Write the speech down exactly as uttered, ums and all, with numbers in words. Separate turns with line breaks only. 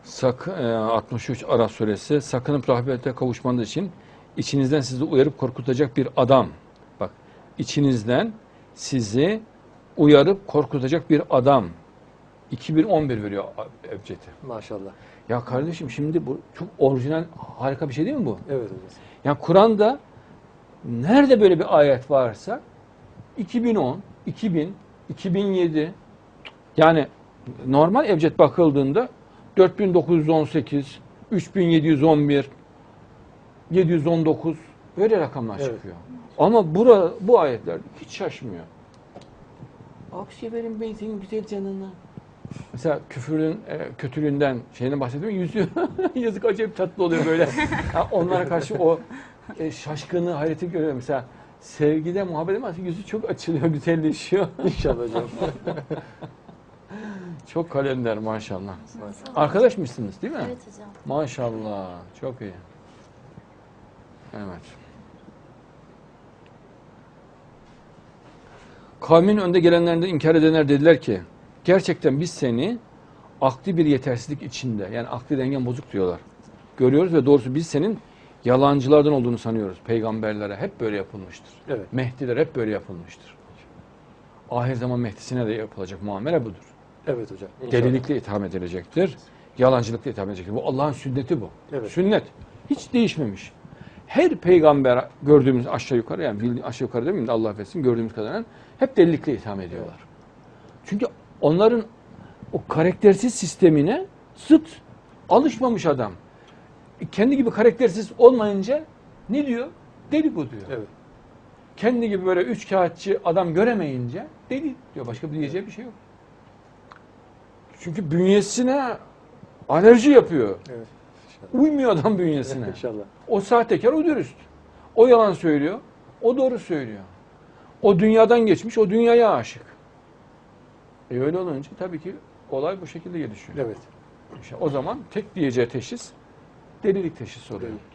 Sak, e, altmış üç Araf suresi, sakınıp rahmete kavuşmanız için içinizden sizi uyarıp korkutacak bir adam. Bak, içinizden sizi uyarıp korkutacak bir adam. iki bin on bir veriyor Ebced'i.
Maşallah.
Ya kardeşim, şimdi bu çok orijinal, harika bir şey değil mi bu?
Evet hocam.
Yani Kur'an'da nerede böyle bir ayet varsa iki bin on, iki bin, iki bin yedi, yani normal Ebced bakıldığında dört bin dokuz yüz on sekiz, üç bin yedi yüz on bir, yedi yüz on dokuz böyle rakamlar
Evet.
çıkıyor. Ama bura, bu ayetler hiç şaşmıyor. Aksi verin ben senin güzel canına. Mesela küfürün, e, kötülüğünden şeyine bahsediyorum. Yüzü yazık, acayip tatlı oluyor böyle. Ha, onlara karşı o e, şaşkını, hayreti görüyor. Mesela sevgide, muhabbet edemez, yüzü çok açılıyor, güzelleşiyor.
İnşallah hocam.
Çok kalender maşallah. Arkadaş mısınız değil mi?
Evet hocam.
Maşallah. Çok iyi. Evet. Kavmin önde gelenlerinden inkar edenler dediler ki, gerçekten biz seni akli bir yetersizlik içinde, yani akli dengen bozuk diyorlar, görüyoruz ve doğrusu biz senin yalancılardan olduğunu sanıyoruz. Peygamberlere hep böyle yapılmıştır.
Evet.
Mehdiler hep böyle yapılmıştır. Ahir zaman Mehdisine de yapılacak muamele budur.
Evet hocam. İnşallah.
Delilikle itham edilecektir. Yalancılıkla itham edilecektir. Bu Allah'ın sünneti bu.
Evet.
Sünnet. Hiç değişmemiş. Her peygamber gördüğümüz aşağı yukarı, yani bildiğin aşağı yukarı demeyeyim de Allah affetsin, gördüğümüz kadarıyla hep delilikle itham ediyorlar. Evet. Çünkü onların o karaktersiz sistemine zıt, alışmamış adam. Kendi gibi karaktersiz olmayınca ne diyor? Deli bu diyor.
Evet.
Kendi gibi böyle üç kağıtçı adam göremeyince deli diyor. Başka bir diyeceği bir şey yok. Çünkü bünyesine alerji yapıyor.
Evet. İnşallah.
Uymuyor adam bünyesine.
İnşallah.
O sahtekar, o dürüst. O yalan söylüyor, o doğru söylüyor. O dünyadan geçmiş, o dünyaya aşık. E öyle olunca tabii ki olay bu şekilde gelişiyor.
Evet.
İşte o zaman tek diyeceği teşhis delilik teşhisi oluyor.
Evet.